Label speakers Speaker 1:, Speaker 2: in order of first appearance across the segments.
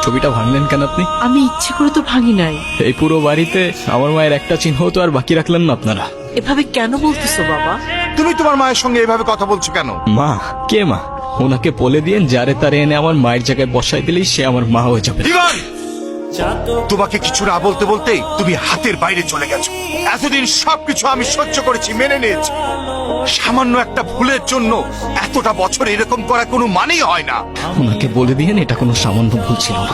Speaker 1: ছবিটা ভাঙলেন কেন আপনি?
Speaker 2: আমি ইচ্ছে করে তো ভাঙি নাই।
Speaker 1: এই পুরো বাড়িতে আমার মায়ের একটা চিহ্ন তো আর বাকি রাখলেন না আপনারা।
Speaker 2: এভাবে কেন বলতেছো বাবা?
Speaker 3: তুমি তোমার মায়ের সঙ্গে এভাবে কথা বলছো কেন?
Speaker 1: মা? কে মা? ওনাকে বলে দিয়েন যারে তারে এনে আমার মায়ের জায়গায় বসাই দিলেই সে আমার মা হয়ে যাবে।
Speaker 3: ইভান, তোমাকে কিছু না বলতে বলতেই তুমি হাতের বাইরে চলে গেছো। এতদিন সবকিছু আমি সহ্য করেছি, মেনে নিয়েছি। সামান্য একটা ভুলের জন্য এতটা বছর এরকম করা কোনো মানেই হয় না।
Speaker 1: ওনাকে বলে দিয়েন এটা কোনো সামান্য ভুল ছিল না।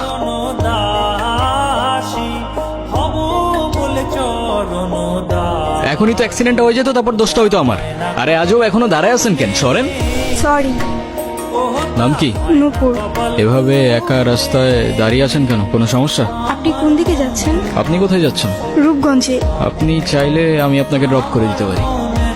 Speaker 1: এখনই তো অ্যাক্সিডেন্ট হয়ে যেত, তারপর দোষটা হইতো আমার। আরে আজও এখনো দাঁড়ায় আছেন কেন? সরেন।
Speaker 4: সরি।
Speaker 1: নাম কি?
Speaker 4: নূপুর।
Speaker 1: এভাবে একা রাস্তায় দাঁড়িয়ে আছেন কেন? কোনো সমস্যা?
Speaker 4: আপনি কোন দিকে যাচ্ছেন?
Speaker 1: আপনি কোথায় যাচ্ছেন?
Speaker 4: রূপগঞ্জে।
Speaker 1: আপনি চাইলে আমি আপনাকে ড্রপ করে দিতে পারি।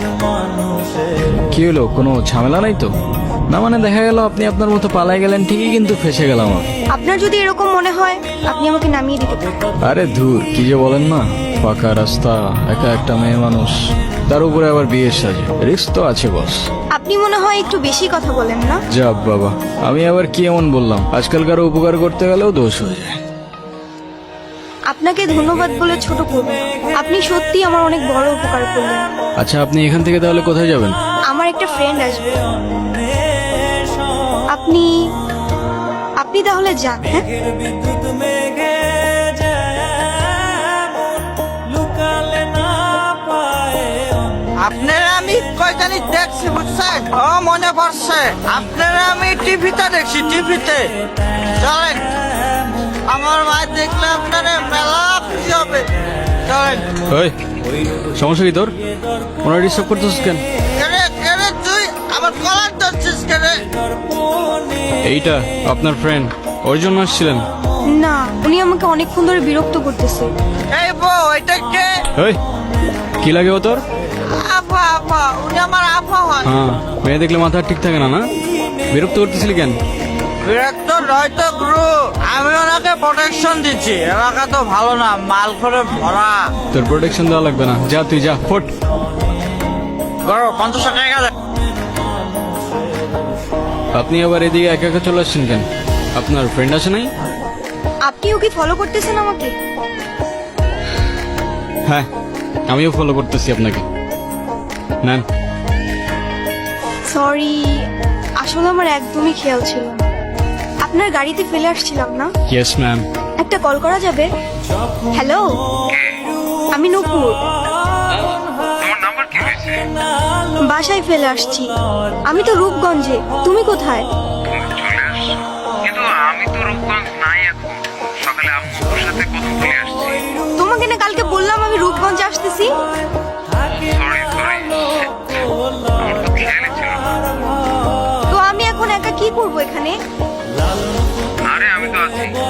Speaker 1: কি হলো, কোনো ঝামেলা নাই তো? না মানে দেখা গেল আপনি আপনার মতো পালাই গেলেন ঠিকই, কিন্তু ফেসে গেলাম আমি।
Speaker 4: আপনার যদি এরকম মনে হয় আপনি আমাকে নামিয়ে দিতে পারেন।
Speaker 1: আরে ধুর, কি যে বলেন না। পাকা রাস্তা, একা একটা মেয়ে মানুষ, তার উপরে আবার বিয়ের সাজে, রিস্ক তো আছে বস।
Speaker 4: আপনি মনে হয় একটু বেশি কথা বলেন না?
Speaker 1: যাব বাবা, আমি আবার কি এমন বললাম? আজকালকার উপকার করতে গেলেও দোষ হয়ে যায়।
Speaker 4: আপনাকে ধন্যবাদ বলে ছোট করব না। আপনি সত্যি আমার অনেক বড় উপকার করলেন।
Speaker 1: আচ্ছা, আপনি এখান থেকে তাহলে কোথায় যাবেন?
Speaker 4: আমার একটা ফ্রেন্ড আসবে। আপনি আপনি তাহলে যান। হ্যাঁ,
Speaker 5: আপনারা আমি কয়খানি দেখছি বুঝছেন? ও মনে পড়ছে, আপনারা আমি টিভিতে দেখছি, টিভিতে। চলেন, আমার মা দেখলে আপনারা মেলা খুশি হবে। চলেন।
Speaker 1: ওই, সমস্যা কি তোর? ওনার ডিস্টার্ব করতেছিস কেন?
Speaker 5: কেরে কেরে তুই আমার কলার ধরছিস কেরে?
Speaker 1: এইটা আপনার ফ্রেন্ড, ওর জন্য আসছিলেন?
Speaker 4: না, উনি আমাকে অনেকক্ষণ ধরে বিরক্ত করতেছে।
Speaker 5: এই বউ, এটা কে?
Speaker 1: ওই, কি লাগে ও তোর?
Speaker 5: আপা, আপা, উনি আমার আপা হয়।
Speaker 1: হ্যাঁ, মেয়ে দেখলে মাথা ঠিক থাকে না, না? বিরক্ত করতেছিলি কেন?
Speaker 5: বিরক্ত নয় তো গুরু, আমি ওনাকে প্রোটেকশন দিচ্ছি। এলাকা তো ভালো না, মাল করে ভরা।
Speaker 1: তোর প্রোটেকশন দেওয়া লাগবে না, যা তুই যা, ফোট।
Speaker 5: করো 50 টাকা দেন।
Speaker 1: আপনি আবার এদিকে একা একা চলে আসছেন কেন? আপনার ফ্রেন্ড আছে নাই?
Speaker 4: আপনিও কি ফলো করতেছেন আমাকে?
Speaker 1: হ্যাঁ, আমিও ফলো করতেছি আপনাকে। নেন।
Speaker 4: সরি, আসলে আমার একদমই খেয়াল ছিল না। আপনার গাড়িতে ফেলে আসছিলাম না?
Speaker 1: Yes ma'am.
Speaker 4: একটা কল করা যাবে? হ্যালো, আমি নূপুর। বাসায় ফেলে আসছি। আমি তো রূপগঞ্জে। তুমি কোথায়?
Speaker 6: কিন্তু আমি তো রূপগঞ্জ নাই এখন। সকালে আম্মুর সাথে কথা বলে আসছি।
Speaker 4: তোমাকে না কালকে বললাম আমি রূপগঞ্জে আসতেছি।
Speaker 6: সরি সরি, আমার তো খেয়ালই ছিল না।
Speaker 4: তো আমি এখন একা কি করব এখানে?
Speaker 6: আরে আমি তো আছি।